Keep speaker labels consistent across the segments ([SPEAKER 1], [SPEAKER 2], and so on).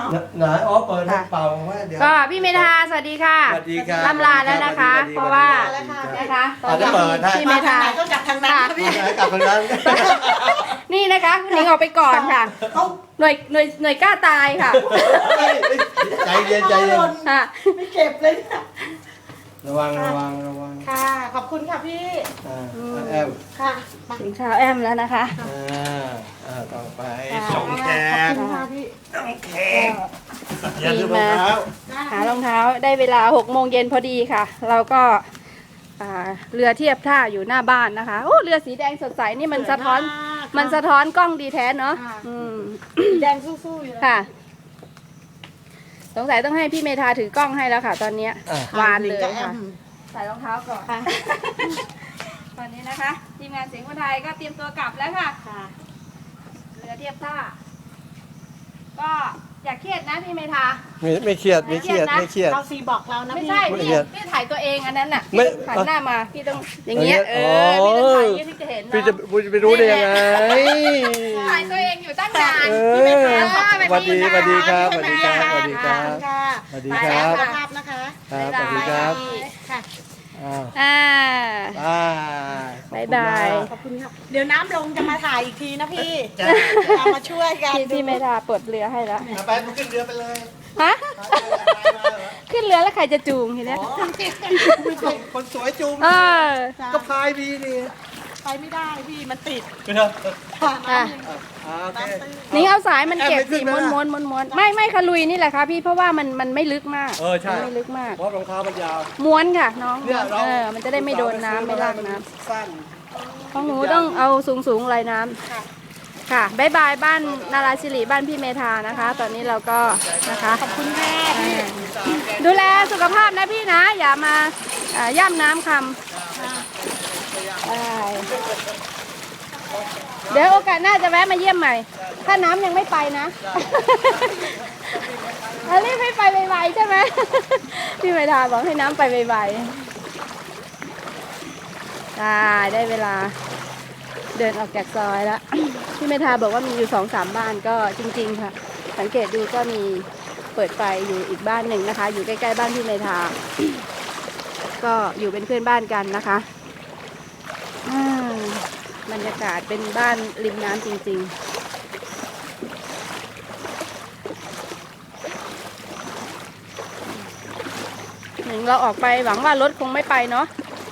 [SPEAKER 1] ไหนอ๋อเปิดให้เป่าว่าเดี๋ยว
[SPEAKER 2] ก็พี่เมธาสวัสดีค่ะ
[SPEAKER 1] สวัสดีครับ
[SPEAKER 2] ลำลาแล้วนะคะ เพราะว่านะคะตอนนี้พี่เมธา
[SPEAKER 3] ก็จากทางนั้นค่ะพี่
[SPEAKER 1] กลับทางนั้น
[SPEAKER 2] นี่นะคะคุณหนิงออกไปก่อนค่ะหน่วยกล้าตายค่ะ
[SPEAKER 1] ใจเย็นใจเย็น
[SPEAKER 2] ค่ะ
[SPEAKER 3] ไม่เก็บเลยเนี่ย
[SPEAKER 1] ระวังระวังระวัง
[SPEAKER 3] ค่ะ ขอบคุณค่ะพี่
[SPEAKER 1] แอม
[SPEAKER 3] ค่ะ
[SPEAKER 2] ถึงเช้าแอมแล้วนะคะ
[SPEAKER 1] ต่อไป
[SPEAKER 2] ค่ะ
[SPEAKER 1] ส่งแข
[SPEAKER 3] ขอบ
[SPEAKER 1] ก
[SPEAKER 3] คุณค่ะพี่
[SPEAKER 1] ส่งแขกอย่าลืมรองเท้า
[SPEAKER 2] หารองเท้าได้เวลา6 โมงเย็นพอดีค่ะ เราก็เรือเทียบท่าอยู่หน้าบ้านนะคะโอ้เรือสีแดงสดใสนี่มันสะท้อนกล้องดีแท้เนาะ
[SPEAKER 3] แดงสู้ๆอยู่แล้ว
[SPEAKER 2] ค่ะ สงสัยต้องให้พี่เมธาถือกล้องให้แล้วค่ะ ตอนนี้วานเลยค่ะใส่รองเท้าก่อนตอนนี้นะคะทีมงานเสียงคนไทยก็เตรียมตัวกลับแล้วค่ะเรือเทียบท่าก็อย่าเครียดนะพี่เมธา
[SPEAKER 1] ไม่เครียดไม่เครียดไม่เครียด
[SPEAKER 3] เราซีบอกเรานะ
[SPEAKER 2] ไม่
[SPEAKER 3] พี่
[SPEAKER 2] ใช่
[SPEAKER 1] ไม่
[SPEAKER 2] พี่
[SPEAKER 1] เครียด
[SPEAKER 2] พี่ถ่ายตัวเองอันนั้นน่ะ
[SPEAKER 1] ไม่
[SPEAKER 2] พี่ต้องหันหน้ามาพี่ต้องอย่างเงี้ยพี่ต้องถ่ายอย่างเงี้ยพี่จะเห็น
[SPEAKER 1] พี่
[SPEAKER 2] เนาะ
[SPEAKER 1] จะไปรู้ได้ยังไง
[SPEAKER 2] ถ่ายตัวเองอยู่ตั้งนาน
[SPEAKER 1] สวัสดีสวัสดีครับสวัสดีครับสวัสดีครับ
[SPEAKER 3] ค่ะ
[SPEAKER 1] สวัสดีครับ
[SPEAKER 3] สุขภาพนะคะ
[SPEAKER 1] ครับสวัสดีครับ
[SPEAKER 3] ค่ะ
[SPEAKER 2] บ๊ายบาย
[SPEAKER 3] ขอบคุณค่ะเดี๋ยวน้ำลงจะมาถ่ายอีกทีนะพี่เรามาช่วยกัน
[SPEAKER 2] พี่เมธาเปิดเรือให้แล้ว
[SPEAKER 1] ไปขึ้นเรือไปเลย
[SPEAKER 2] ฮะขึ้นเรือแล้วใครจะจูงทีเนี้ย
[SPEAKER 1] คนสวยจูง
[SPEAKER 2] เออ
[SPEAKER 1] ก็พายดีนี่
[SPEAKER 3] ไปไม่ได้พี่มันติด
[SPEAKER 1] เนาะ
[SPEAKER 2] อ่ะ
[SPEAKER 1] โอเค
[SPEAKER 2] นี่เอาสายมันเก็บ
[SPEAKER 1] แอบไปขึ้
[SPEAKER 2] สี
[SPEAKER 1] น
[SPEAKER 2] ม้
[SPEAKER 1] ไหม
[SPEAKER 2] วน
[SPEAKER 1] ล่ะ
[SPEAKER 2] ม้วนม้วนๆไม่ขลุยนี่แหละค่ะพี่เพราะว่ามันไม่ลึกมาก
[SPEAKER 1] ใช่
[SPEAKER 2] มันไม่ลึกมาก
[SPEAKER 1] เพราะรองเท้ามันยาว
[SPEAKER 2] ม้วนค่ะน้อง
[SPEAKER 1] เนี่ยเรา
[SPEAKER 2] มันจะได้ไม่โดนน้ำไม่ลากน้ำ
[SPEAKER 1] สั้น
[SPEAKER 2] ของหนูต้องเอาสูงลอยน้ำค่ะบ๊ายบายบ้านนาราศิริบ้านพี่เมธานะคะ ตอนนี้เราก็นะคะขอบคุณแม่ดูแลสุขภาพนะพี่นะ อย่ามาย่ำน้ำคำเดี๋ยวโอกาสหน้าจะแวะมาเยี่ยมใหม่ ถ้าน้ำยังไม่ไปนะรีบให้ไปไวๆใช่ไหมพี่เมธาบอกให้น้ำไปไวๆได้เวลาเดินออกจากซอยแล้ว พี่เมธาบอกว่ามีอยู่2-3 บ้านก็จริงๆค่ะสังเกตดูก็มีเปิดไฟอยู่อีกบ้านหนึ่งนะคะ อยู่ใกล้ๆบ้านพี่เมธา ก็อยู่เป็นเพื่อนบ้านกันนะคะบรรยากาศเป็นบ้านริมน้ำจริงๆหนึ่งเราออกไปหวังว่ารถคงไม่ไปเนาะ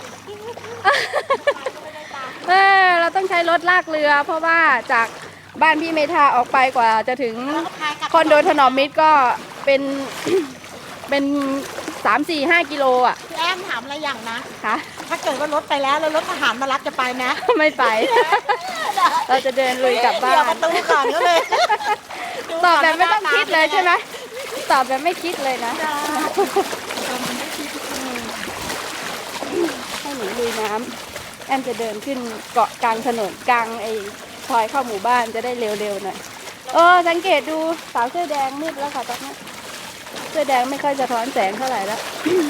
[SPEAKER 2] เราต้องใช้รถลากเรือ เพราะว่าจากบ้านพี่เมธาออกไปกว่าจะถึงคอนโดถนอมมิตรก็เป็น เป็น3-4-5 กิโลอ่ะ
[SPEAKER 3] พี่แอมถามอะไรอย่างนะ
[SPEAKER 2] ค่ะ
[SPEAKER 3] ถ้าเกิดว่ารถไปแล้วรถทหารมารับจะไปไหม
[SPEAKER 2] ไม่ไป เราจะเดินลุยกลับบ้า
[SPEAKER 3] เดี๋ยวน ประตูก่อนก็เลย
[SPEAKER 2] ตอบแบบไม่ต้องคิดเลยใช่ไหมตอบแบบไม่คิดเลยนะให้หนูลุยน้ำแอมจะเดินขึ้นเกาะกลางถนนกลางไอ้ซอยเข้าหมู่บ้านจะได้เร็วๆหน่อยสังเกตดูสาวเสื้อแดงมืดแล้วค่ะตอนนี้เสื้อแดงไม่ค่อยสะท้อนแสงเท่าไหร่แล้ว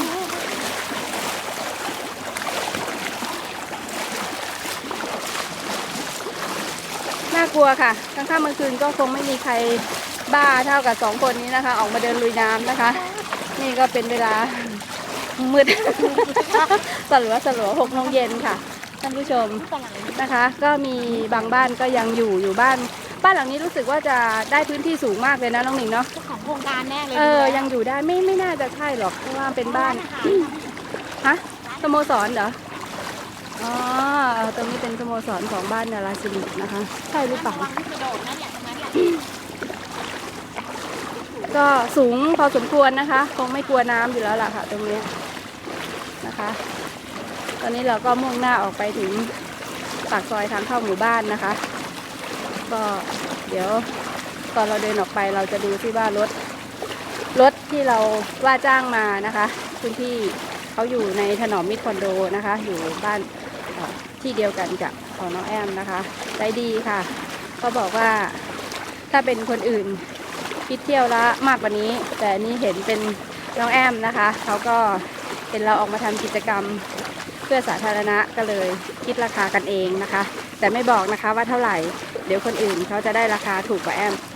[SPEAKER 2] น่ากลัวค่ะกลางค่ำกลางคืนก็คงไม่มีใครบ้าเท่ากับ2 คนนี้นะคะออกมาเดินลุยน้ำนะคะนี่ก็เป็นเวลามืด สลัว6 โมงเย็นค่ะท่านผู้ชมนะคะ ก็มีบางบ้านก็ยังอยู่บ้านหลังนี้รู้สึกว่าจะได้พื้นที่สูงมากเลยนะน้องหนิงเนาะ
[SPEAKER 3] เจ้าของโครงการแน่เลย
[SPEAKER 2] ยังอยู่ได้ไม่น่าจะใช่หรอกเพราะว่าเป็นบ้านฮะสโมสรเหรออ๋อตรงนี้เป็นสโมสรของบ้านนาราศิรินะคะใช่หรือเปล่า
[SPEAKER 3] ระวังที่กระโดดนะอย่างนั้น
[SPEAKER 2] ก็สูงพอสมควรนะคะคงไม่กลัวน้ำอยู่แล้วล่ะค่ะตรงนี้นะคะ ตอนนี้เราก็มุ่งหน้าออกไปถึงปากซอยทางเข้าหมู่บ้านนะคะก็เดี๋ยวตอนเราเดินออกไปเราจะดูที่ว่ารถที่เราว่าจ้างมานะคะพื้นที่เขาอยู่ในถนอมมิตรคอนโดนะคะอยู่บ้านที่เดียวกันกับของน้องแอมนะคะใจดีค่ะเขาบอกว่าถ้าเป็นคนอื่นคิดเที่ยวละมากกว่านี้แต่นี้เห็นเป็นน้องแอมนะคะเขาก็เป็นเราออกมาทำกิจกรรมเพื่อสาธารณะก็เลยคิดราคากันเองนะคะแต่ไม่บอกนะคะว่าเท่าไหร่เดี๋ยวคนอื่นเขาจะได้ราคาถูกกว่าแอม